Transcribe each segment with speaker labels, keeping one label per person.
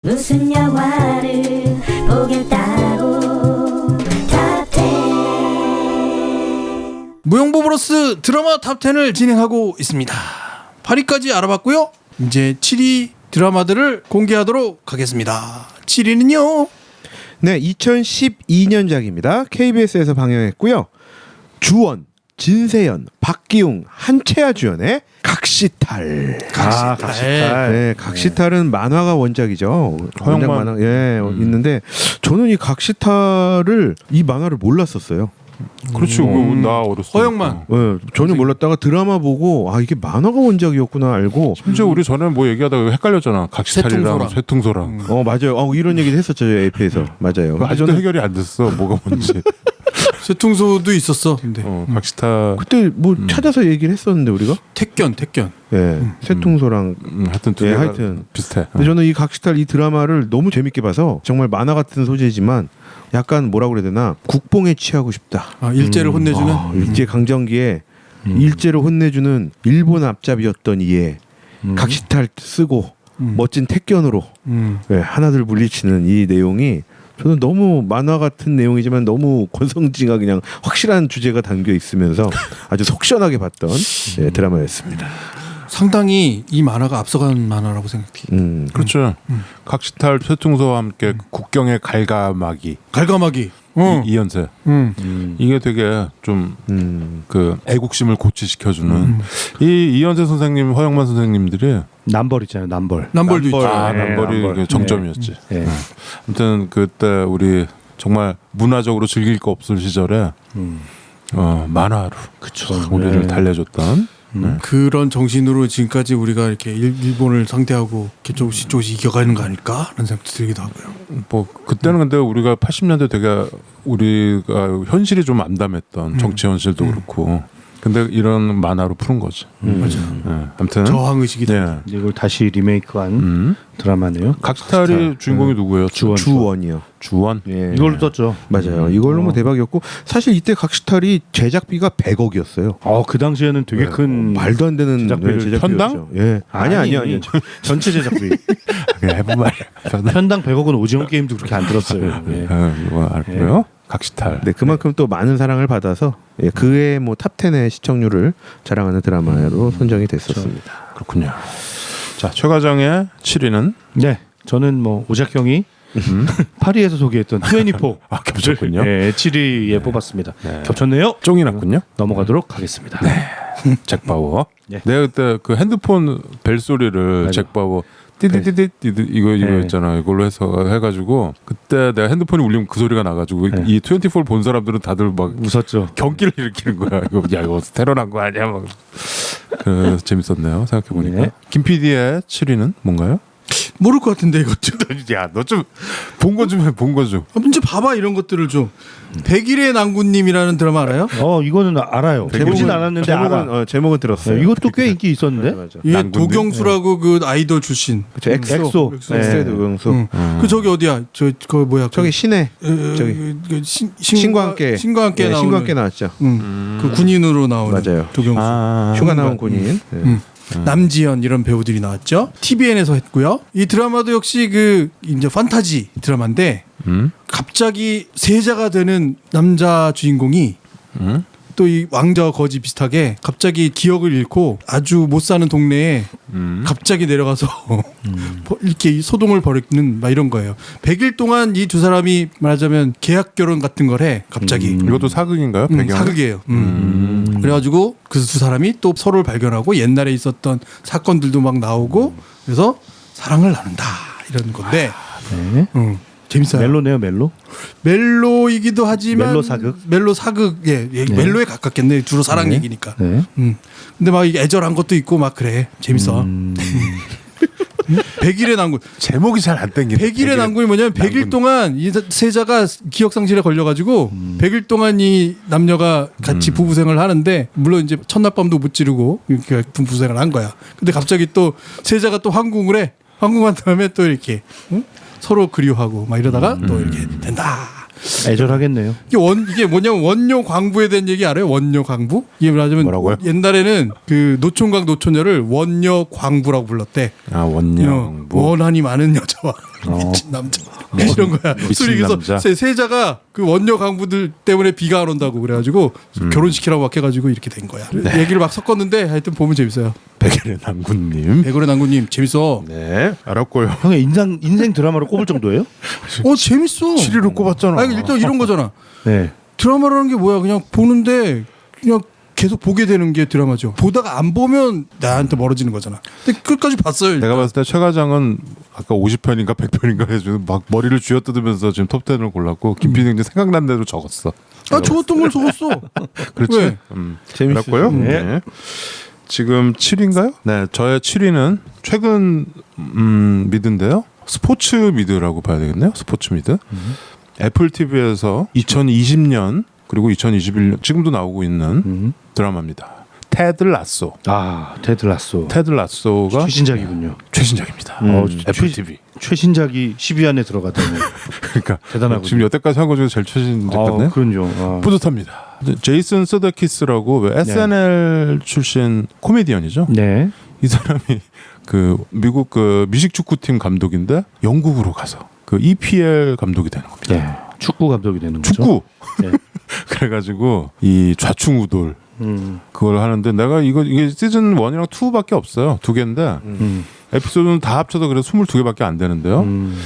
Speaker 1: 무슨 영화를 보겠다고 탑10
Speaker 2: 무용보브로스 드라마 탑10을 진행하고 있습니다. 8위까지 알아봤고요. 이제 7위 드라마들을 공개하도록 하겠습니다. 7위는요.
Speaker 3: 네, 2012년작입니다. KBS에서 방영했고요. 주원, 진세연, 박기웅, 한채아 주연의 각시탈.
Speaker 2: 각시탈.
Speaker 3: 네, 각시탈은 만화가 원작이죠. 원작 만화 있는데 저는 이 각시탈을 이 만화를 몰랐었어요.
Speaker 4: 그렇지. 나 어렸을 때.
Speaker 2: 허영만.
Speaker 3: 네, 전혀 몰랐다가 드라마 보고 아 이게 만화가 원작이었구나 알고.
Speaker 4: 심지어 우리 전에 뭐 얘기하다가 헷갈렸잖아. 각시탈이랑
Speaker 2: 쇠통소랑.
Speaker 4: 쇠통소랑.
Speaker 3: 맞아요. 이런 얘기도 했었죠. AP에서. 맞아요.
Speaker 4: 아직도 해결이 안 됐어. 뭐가 뭔지.
Speaker 2: 쇠통소도 있었어. 근데
Speaker 4: 각시탈.
Speaker 3: 그때 뭐 찾아서 얘기를 했었는데 우리가.
Speaker 2: 택견.
Speaker 3: 예. 쇠통소랑
Speaker 4: 하여튼 두
Speaker 3: 예,
Speaker 4: 개가
Speaker 3: 하여튼
Speaker 4: 비슷해.
Speaker 3: 근데 저는 이 각시탈 이 드라마를 너무 재밌게 봐서 정말 만화 같은 소재지만 약간 뭐라고 그래야 되나 국뽕에 취하고 싶다.
Speaker 2: 일제를 혼내주는.
Speaker 3: 일제 강점기에 일제를 혼내주는 일본 앞잡이였던 이에 각시탈 쓰고 멋진 택견으로 예, 하나둘 물리치는 이 내용이 저는 너무 만화 같은 내용이지만 너무 권성징악 그냥 확실한 주제가 담겨 있으면서 아주 속 시원하게 봤던 예, 드라마였습니다.
Speaker 2: 상당히 이 만화가 앞서간 만화라고 생각해.
Speaker 4: 그렇죠. 각시탈 쇠통소와 함께 국경의 갈가마기.
Speaker 2: 갈가마기.
Speaker 4: 이연세. 이게 되게 좀 그 애국심을 고취시켜주는 이 이연세 선생님, 허영만 선생님들이
Speaker 5: 남벌 있잖아요. 남벌.
Speaker 2: 남벌도 있죠.
Speaker 4: 남벌이
Speaker 5: 남벌.
Speaker 4: 그 정점이었지.
Speaker 5: 네.
Speaker 4: 아무튼 그때 우리 정말 문화적으로 즐길 거 없을 시절에 만화로 우리를 달래줬던.
Speaker 2: 그런 정신으로 지금까지 우리가 이렇게 일본을 상대하고 이렇게 조금씩 이겨가는 거 아닐까? 라는 생각도 들기도 하고요.
Speaker 4: 뭐 그때는 근데 우리가 80년대 되게 우리가 현실이 좀 암담했던 정치 현실도 그렇고 근데 이런 만화로 푸는 거지.
Speaker 2: 맞아요.
Speaker 4: 아무튼
Speaker 2: 저항의식이
Speaker 4: 네.
Speaker 5: 이걸 다시 리메이크한 드라마네요.
Speaker 4: 각시탈이 주인공이 누구예요?
Speaker 3: 주원이요.
Speaker 4: 주원.
Speaker 3: 예.
Speaker 5: 이걸로 떴죠.
Speaker 3: 맞아요. 이걸로 뭐 대박이었고 사실 이때 각시탈이 제작비가 100억이었어요.
Speaker 5: 그 당시에는 되게 큰
Speaker 3: 말도 안 되는
Speaker 5: 제작비를
Speaker 3: 제작비였죠.
Speaker 4: 편당?
Speaker 3: 예. 아니요.
Speaker 5: 전체 제작비.
Speaker 4: 그냥 해본 말이야.
Speaker 5: 편당 100억은 오징어 게임도 그렇게 안 들었어요. 예.
Speaker 4: 이거 알고요. 각시탈.
Speaker 3: 네, 그만큼 또 많은 사랑을 받아서 예, 그의 뭐 탑10의 시청률을 자랑하는 드라마로 선정이 됐었습니다.
Speaker 4: 그렇군요. 자, 최 과장의 7위는
Speaker 5: 네, 저는 뭐 오작 형이 파리에서 소개했던 24.
Speaker 4: 겹쳤군요.
Speaker 5: 네, 7위에 뽑았습니다.
Speaker 4: 네.
Speaker 5: 겹쳤네요.
Speaker 4: 쫑이 났군요.
Speaker 5: 넘어가도록 하겠습니다.
Speaker 4: 잭 바워.
Speaker 5: 네.
Speaker 4: 내가 그때 그 핸드폰 벨 소리를
Speaker 5: 맞아.
Speaker 4: 잭 바워 띠디디디 이거
Speaker 5: 네.
Speaker 4: 있잖아. 이걸로 해가지고 그때 내가 핸드폰이 울리면 그 소리가 나가지고
Speaker 5: 네.
Speaker 4: 이 24 본 사람들은 다들 막
Speaker 5: 웃었죠.
Speaker 4: 경기를 일으키는 거야. 이거 테러 난 거 아니야? 막. 재밌었네요. 생각해 보니까.
Speaker 5: 네.
Speaker 4: 김 PD의 7위는 뭔가요?
Speaker 2: 모를 것 같은데 이것도.
Speaker 4: 야, 너 좀 본 거 좀 해. 본 거 좀.
Speaker 2: 문제 봐봐 이런 것들을 좀. 백일의 난군님이라는 드라마 알아요?
Speaker 5: 이거는 알아요. 보진 않았는데 알아.
Speaker 3: 제목은 들었어요.
Speaker 5: 네, 이것도 꽤 인기 있었는데.
Speaker 3: 맞아.
Speaker 2: 이게
Speaker 4: 난군님?
Speaker 2: 도경수라고 그 아이돌 출신.
Speaker 3: 그쵸,
Speaker 5: 엑소.
Speaker 3: 엑소의 도경수.
Speaker 2: 그 저기 어디야? 그 뭐야?
Speaker 3: 저기 신의 저기 신과 함께
Speaker 2: 신과 함께
Speaker 3: 예,
Speaker 2: 나오는.
Speaker 3: 신과 함께 나왔죠.
Speaker 2: 그 군인으로 나오는.
Speaker 3: 맞아요.
Speaker 2: 도경수.
Speaker 3: 휴가 나온 군인. 예.
Speaker 2: 남지현 이런 배우들이 나왔죠. TVN에서 했고요. 이 드라마도 역시 그 이제 판타지 드라마인데 갑자기 세자가 되는 남자 주인공이 또 이 왕자와 거지 비슷하게 갑자기 기억을 잃고 아주 못 사는 동네에 갑자기 내려가서 이렇게 소동을 벌이는 막 이런 거예요. 100일 동안 이 두 사람이 말하자면 계약 결혼 같은 걸 해. 갑자기.
Speaker 4: 이것도 사극인가요? 배경?
Speaker 2: 사극이에요. 그래가지고 그 두 사람이 또 서로를 발견하고 옛날에 있었던 사건들도 막 나오고 그래서 사랑을 나눈다 이런 건데
Speaker 5: 네.
Speaker 2: 재밌어요.
Speaker 5: 멜로네요, 멜로.
Speaker 2: 멜로이기도 하지만
Speaker 5: 멜로 사극?
Speaker 2: 예, 멜로에 가깝겠네. 주로 사랑 얘기니까.
Speaker 5: 네.
Speaker 2: 근데 막 애절한 것도 있고 막 그래. 재밌어. 100일의 난군.
Speaker 4: 제목이 잘 안 땡기네.
Speaker 2: 100일의 난군이 뭐냐면 100일 동안 이 세자가 기억 상실에 걸려가지고 100일 동안 이 남녀가 같이 부부 생활을 하는데 물론 이제 첫날 밤도 못 지르고 이렇게 부부 생활을 한 거야. 근데 갑자기 또 세자가 또 황궁을 해. 황궁한 다음에 또 이렇게 서로 그리워하고 막 이러다가 또 이렇게 된다.
Speaker 5: 애절하겠네요.
Speaker 2: 이게 뭐냐면 원료 광부에 대한 얘기 알아요? 원료 광부? 이게 말하자면
Speaker 4: 뭐라고요?
Speaker 2: 옛날에는 그 노총각 노처녀를 원료 광부라고 불렀대.
Speaker 4: 원녀 광부.
Speaker 2: 원한이 많은 여자와 미친 남자 이런 거야. 술이 그래서
Speaker 4: 남자.
Speaker 2: 세자가 그 원녀 강부들 때문에 비가 안 온다고 그래가지고 결혼시키라고 막 해가지고 이렇게 된 거야. 얘기를 막 섞었는데 하여튼 보면 재밌어요.
Speaker 4: 백일의 남군님.
Speaker 2: 백월의 남군님 재밌어.
Speaker 4: 네, 알았고요.
Speaker 5: 형의 인생 드라마로 꼽을 정도예요?
Speaker 2: 재밌어.
Speaker 4: 7위로 꼽았잖아.
Speaker 2: 아니 일단 이런 거잖아.
Speaker 5: 네.
Speaker 2: 드라마라는 게 뭐야? 그냥 보는데 그냥 계속 보게 되는 게 드라마죠. 보다가 안 보면 나한테 멀어지는 거잖아. 근데 끝까지 봤어요. 일단.
Speaker 4: 내가 봤을 때 최 과장은 아까 50편인가 100편인가 해주는 막 머리를 쥐어뜯으면서 지금 톱10을 골랐고 김PD는 생각난 대로 적었어.
Speaker 2: 적었던 걸 적었어.
Speaker 4: 그렇지.
Speaker 2: 왜?
Speaker 4: 재밌고요. 네. 지금 7위인가요? 네, 저의 7위는 최근 미드인데요. 스포츠 미드라고 봐야 되겠네요. 스포츠 미드. 애플 TV에서 2020년 그리고 2021년 지금도 나오고 있는 드라마입니다. 테드 라소.
Speaker 5: 테드 라소.
Speaker 4: 테드 라소가
Speaker 5: 최신작이군요.
Speaker 4: 최신작입니다. 애플 TV.
Speaker 5: 최신작이 10위 안에 들어갔다니.
Speaker 4: 그러니까
Speaker 5: 대단하군요.
Speaker 4: 지금 여태까지 한 거 중에서 제일 최신작 같네.
Speaker 5: 그럼요.
Speaker 4: 뿌듯합니다. 제이슨 서데키스라고 왜 SNL 출신 코미디언이죠.
Speaker 5: 네.
Speaker 4: 이 사람이 그 미국 그 미식 축구팀 감독인데 영국으로 가서 그 EPL 감독이 되는 겁니다.
Speaker 5: 네. 축구 감독이 되는 거죠.
Speaker 4: 축구.
Speaker 5: 네.
Speaker 4: 그래가지고 이 좌충우돌 그걸 하는데 내가 이게 시즌 1이랑 2밖에 없어요. 2개인데 에피소드는 다 합쳐서 그래서 22개밖에 안 되는데요.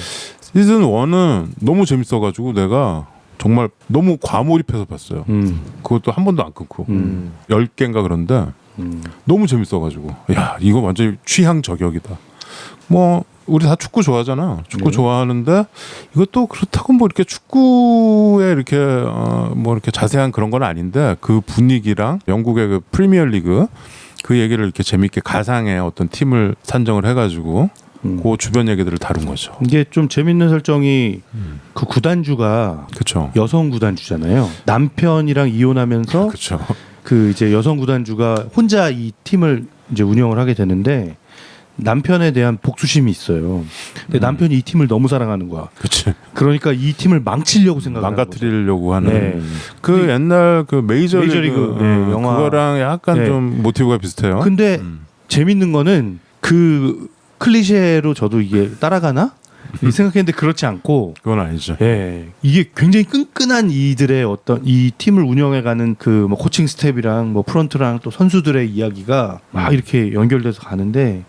Speaker 4: 시즌 1은 너무 재밌어가지고 내가 정말 너무 과몰입해서 봤어요. 그것도 한 번도 안 끊고 10개인가 그런데 너무 재밌어가지고 야 이거 완전 취향 저격이다. 뭐 우리 다 축구 좋아하잖아. 축구 좋아하는데 이것도 그렇다고 뭐 이렇게 축구에 이렇게 뭐 이렇게 자세한 그런 건 아닌데 그 분위기랑 영국의 그 프리미어리그 그 얘기를 이렇게 재밌게 가상의 어떤 팀을 산정을 해가지고 그 주변 얘기들을 다룬 거죠.
Speaker 5: 이게 좀 재밌는 설정이 그 구단주가
Speaker 4: 그렇죠.
Speaker 5: 여성 구단주잖아요. 남편이랑 이혼하면서
Speaker 4: 그렇죠.
Speaker 5: 그 이제 여성 구단주가 혼자 이 팀을 이제 운영을 하게 되는데 남편에 대한 복수심이 있어요. 근데 남편이 이 팀을 너무 사랑하는 거야.
Speaker 4: 그렇지.
Speaker 5: 그러니까 이 팀을 망치려고 생각하는
Speaker 4: 망가뜨리려고 하는
Speaker 5: 네.
Speaker 4: 그 옛날 그 메이저리그
Speaker 5: 영화.
Speaker 4: 그거랑 약간
Speaker 5: 네.
Speaker 4: 좀 모티브가 비슷해요.
Speaker 5: 근데 재밌는 거는 그 클리셰로 저도 이게 따라가나? 이 생각했는데 그렇지 않고
Speaker 4: 그건 아니죠.
Speaker 5: 예, 이게 굉장히 끈끈한 이들의 어떤 이 팀을 운영해가는 그 뭐 코칭 스텝이랑 뭐 프런트랑 또 선수들의 이야기가 막 이렇게 연결돼서 가는데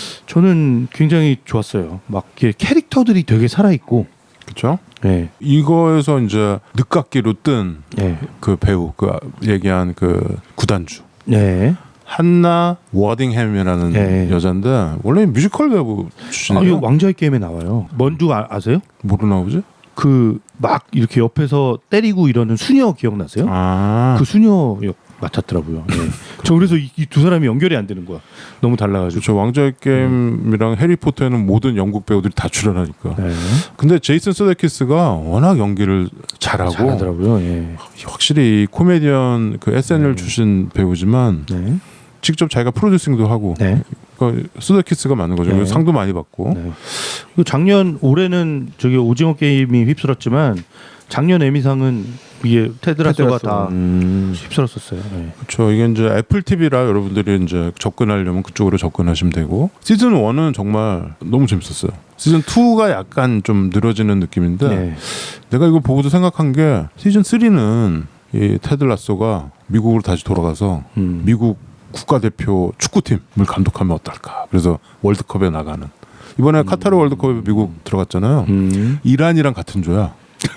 Speaker 5: 저는 굉장히 좋았어요. 막 이렇게 캐릭터들이 되게 살아 있고,
Speaker 4: 그렇죠.
Speaker 5: 예,
Speaker 4: 이거에서 이제 늦깎이로 뜬
Speaker 5: 예,
Speaker 4: 그 배우 그 얘기한 그 구단주
Speaker 5: 예.
Speaker 4: 한나 워딩햄이라는
Speaker 5: 네.
Speaker 4: 여잔데 원래 뮤지컬 배우
Speaker 5: 아,
Speaker 4: 출신이에요.
Speaker 5: 이거 왕좌의 게임에 나와요. 뭔지 아세요?
Speaker 4: 뭐로 나오지?
Speaker 5: 그 막 이렇게 옆에서 때리고 이러는 수녀 기억나세요?
Speaker 4: 아,
Speaker 5: 그 수녀 역 맡았더라고요. 예. 저 그래서 이 두 사람이 연결이 안 되는 거야. 너무 달라가지고.
Speaker 4: 그렇죠. 왕좌의 게임이랑 해리포터에는 모든 영국 배우들이 다 출연하니까.
Speaker 5: 네.
Speaker 4: 근데 제이슨 서데키스가 워낙 연기를 잘하고
Speaker 5: 잘하더라고요. 예.
Speaker 4: 확실히 코미디언 그 SNL 출신 배우지만
Speaker 5: 네.
Speaker 4: 직접 자기가 프로듀싱도 하고
Speaker 5: 네.
Speaker 4: 그러니까 서데키스가 맞는 거죠.
Speaker 5: 네.
Speaker 4: 그래서 상도 많이 받고.
Speaker 5: 네. 그리고 작년 올해는 저기 오징어 게임이 휩쓸었지만 작년 에미상은 이게 테드라소가 다 휩쓸었었어요. 네.
Speaker 4: 그렇죠. 이게 이제 애플 TV라 여러분들이 이제 접근하려면 그쪽으로 접근하시면 되고 시즌 1은 정말 너무 재밌었어요. 시즌 2가 약간 좀 늘어지는 느낌인데
Speaker 5: 네.
Speaker 4: 내가 이거 보고도 생각한 게 시즌 3는 이 테드 라소가 미국으로 다시 돌아가서 미국 국가대표 축구팀을 감독하면 어떨까. 그래서 월드컵에 나가는. 이번에 카타르 월드컵에 미국 들어갔잖아요. 이란이랑 같은 조야.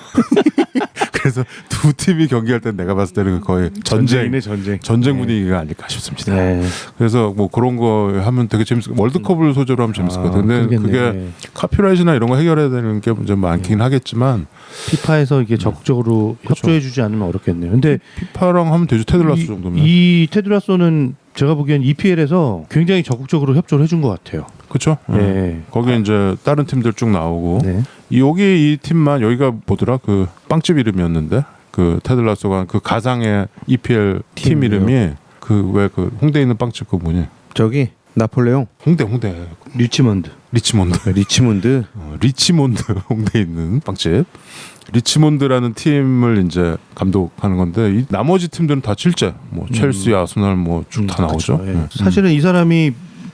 Speaker 4: 그래서 두 팀이 경기할 때 내가 봤을 때는 거의
Speaker 5: 전쟁.
Speaker 4: 전쟁 분위기가 아닐까 싶습니다.
Speaker 5: 네.
Speaker 4: 그래서 뭐 그런 거 하면 되게 재밌을 월드컵을 소재로 하면 재밌을 것 같아요. 근데
Speaker 5: 그러겠네.
Speaker 4: 그게 카피라이트나 이런 거 해결해야 되는 게 좀 많긴 하겠지만
Speaker 5: 피파에서 이게 적극적으로 협조해주지 않으면 어렵겠네요. 근데
Speaker 4: 피파랑 하면 되죠. 테드라스 정도면.
Speaker 5: 이 테드라소는 제가 보기엔 EPL에서 굉장히 적극적으로 협조를 해준 것 같아요.
Speaker 4: 그렇죠.
Speaker 5: 네.
Speaker 4: 거기 이제 다른 팀들 쭉 나오고
Speaker 5: 네.
Speaker 4: 여기 이 팀만 여기가 뭐더라 그 빵집 이름이었는데 그 테드라소가 그 가상의 EPL 팀 이름이 그 왜 그 홍대에 있는 빵집 그 뭐니?
Speaker 3: 저기 나폴레옹
Speaker 4: 홍대
Speaker 5: 리치먼드.
Speaker 4: 리치몬드 홍대에 있는 빵집 리치몬드라는 팀을 이제 감독하는 건데 이 나머지 팀들은 다 실제 뭐 첼시, 아스널 뭐 쭉 다 나오죠.
Speaker 5: 그렇죠. 예. 사실은 이 사람이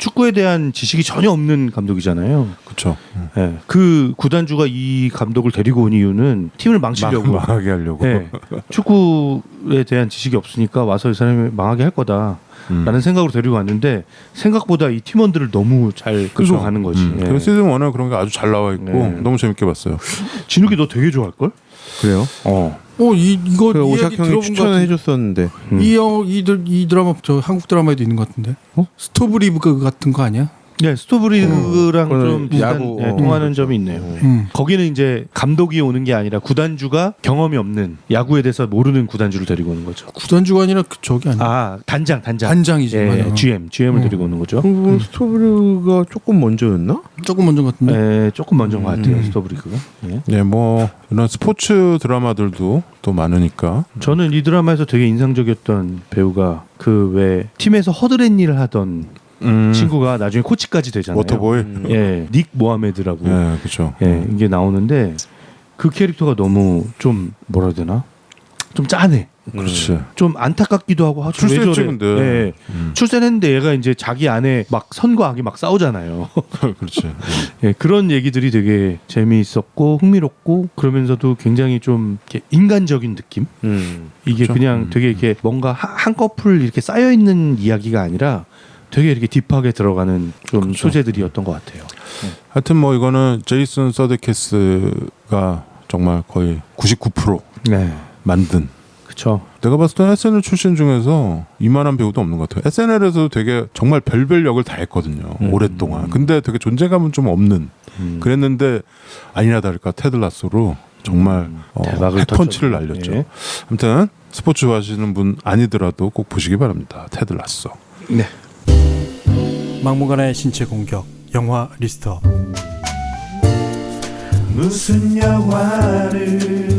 Speaker 5: 축구에 대한 지식이 전혀 없는 감독이잖아요.
Speaker 4: 그렇죠.
Speaker 5: 예. 그 구단주가 이 감독을 데리고 온 이유는 팀을 망치려고.
Speaker 4: 망하게 하려고.
Speaker 5: 예. 축구에 대한 지식이 없으니까 와서 이 사람이 망하게 할 거다라는 생각으로 데리고 왔는데 생각보다 이 팀원들을 너무 잘 끌고 가는 거지. 예.
Speaker 4: 그래서 시즌 1은 그런 게 아주 잘 나와 있고 너무 재밌게 봤어요.
Speaker 5: 진욱이 너 되게 좋아할 걸?
Speaker 3: 그래요?
Speaker 2: 이거
Speaker 3: 그
Speaker 2: 이
Speaker 3: 오삭
Speaker 2: 이야기
Speaker 3: 형이
Speaker 2: 들어본 것
Speaker 3: 추천을
Speaker 2: 같은데.
Speaker 3: 해줬었는데
Speaker 2: 이 드라마 저 한국 드라마에도 있는 것 같은데. 스토브리브 같은 거 아니야?
Speaker 5: 네, 스토브리그랑 좀 비슷한
Speaker 3: 야구,
Speaker 5: 통하는 점이 있네요. 거기는 이제 감독이 오는 게 아니라 구단주가 경험이 없는 야구에 대해서 모르는 구단주를 데리고 오는 거죠.
Speaker 2: 구단주가 아니라 저기 아니야.
Speaker 5: 아 단장이죠.
Speaker 2: 단장이지. 맞아.
Speaker 5: GM을 데리고 오는 거죠.
Speaker 3: 스토브르가 조금 먼저였나?
Speaker 2: 조금 먼저 같은데.
Speaker 5: 네, 조금 먼저인 것 같아요. 스토브리그가. 예.
Speaker 4: 네, 뭐 이런 스포츠 드라마들도 또 많으니까.
Speaker 5: 저는 이 드라마에서 되게 인상적이었던 배우가 그 왜 팀에서 허드렛 일을 하던 친구가 나중에 코치까지 되잖아요.
Speaker 4: 워터보이.
Speaker 5: 예, 닉 모하메드라고.
Speaker 4: 네, 그렇죠.
Speaker 5: 예, 이게 나오는데 그 캐릭터가 너무 좀 뭐라 해야 되나? 좀 짠해.
Speaker 4: 그렇지.
Speaker 5: 좀 안타깝기도 하고 왜
Speaker 4: 출세했지,
Speaker 5: 저래?
Speaker 4: 근데.
Speaker 5: 예. 출세했는데 얘가 이제 자기 안에 막 선과 악이 막 싸우잖아요.
Speaker 4: 그렇지.
Speaker 5: 예, 그런 얘기들이 되게 재미있었고 흥미롭고 그러면서도 굉장히 좀 이렇게 인간적인 느낌. 이게
Speaker 4: 그렇죠.
Speaker 5: 그냥 되게 이렇게 뭔가 한꺼풀 이렇게 쌓여 있는 이야기가 아니라 되게 이렇게 딥하게 들어가는 좀
Speaker 4: 그렇죠.
Speaker 5: 소재들이었던 것 같아요.
Speaker 4: 하여튼 뭐 이거는 제이슨 서데키스가 정말 거의 99%
Speaker 5: 네,
Speaker 4: 만든.
Speaker 5: 그렇죠.
Speaker 4: 내가 봤을 때 SNL 출신 중에서 이만한 배우도 없는 것 같아요. SNL에서 되게 정말 별별 역을 다 했거든요. 오랫동안. 근데 되게 존재감은 좀 없는. 그랬는데 아니나 다를까 테드 라소로 정말
Speaker 5: 대박을
Speaker 4: 펀치를
Speaker 5: 터쳤죠.
Speaker 4: 날렸죠.
Speaker 5: 예.
Speaker 4: 아무튼 스포츠 좋아하시는 분 아니더라도 꼭 보시기 바랍니다. 테드 라소.
Speaker 5: 네.
Speaker 2: 막무가내의 신체 공격 영화 리스트업.
Speaker 1: 무슨 영화를